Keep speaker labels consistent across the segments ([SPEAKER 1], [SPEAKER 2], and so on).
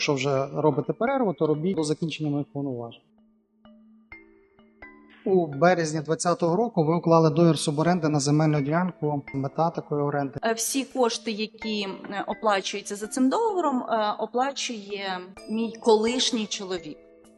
[SPEAKER 1] Якщо вже робите перерву, то робіть до закінчення моїх повноважень. У березні 2020 року ви уклали договір суборенди на земельну ділянку. Мета такої оренди.
[SPEAKER 2] Всі кошти, які оплачуються за цим договором, оплачує мій колишній чоловік.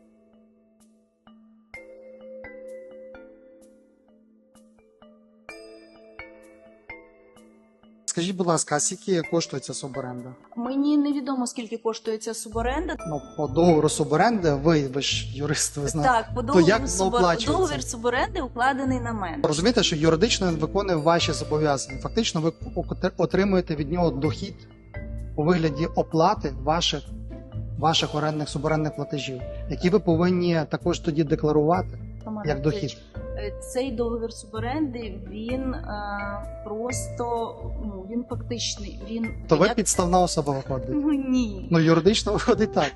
[SPEAKER 1] Скажіть, будь ласка, а скільки коштує ця суборенда?
[SPEAKER 2] Мені невідомо, скільки коштує ця суборенда.
[SPEAKER 1] По договору суборенди, ви ж юрист, ви знаєте.
[SPEAKER 2] Так, по
[SPEAKER 1] То як
[SPEAKER 2] договору
[SPEAKER 1] воно оплачується?
[SPEAKER 2] договір суборенди укладений на мене.
[SPEAKER 1] Розумієте, що юридично він виконує ваші зобов'язання. Фактично ви отримуєте від нього дохід у вигляді оплати ваших орендних суборендних платежів, які ви повинні також тоді декларувати як дохід.
[SPEAKER 2] Цей договір суборенди, він просто, він фактичний.
[SPEAKER 1] То ви підставна особа виходить?
[SPEAKER 2] Ну, ні.
[SPEAKER 1] Ну, юридично виходить так.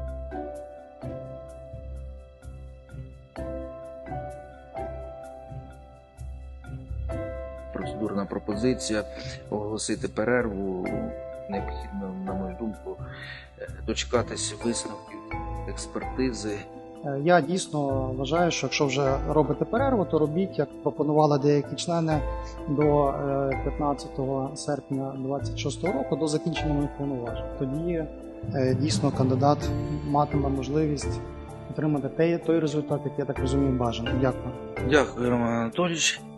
[SPEAKER 3] Процедурна пропозиція оголосити перерву. Необхідно, на мою думку, дочекатися висновків експертизи.
[SPEAKER 1] Я дійсно вважаю, що якщо вже робите перерву, то робіть, як пропонували деякі члени до 15 серпня 2026 року, до закінчення моїх повноважень. Тоді дійсно кандидат матиме можливість отримати той результат, який, я так розумію, бажаний. Дякую.
[SPEAKER 3] Дякую, Роман Анатолійович.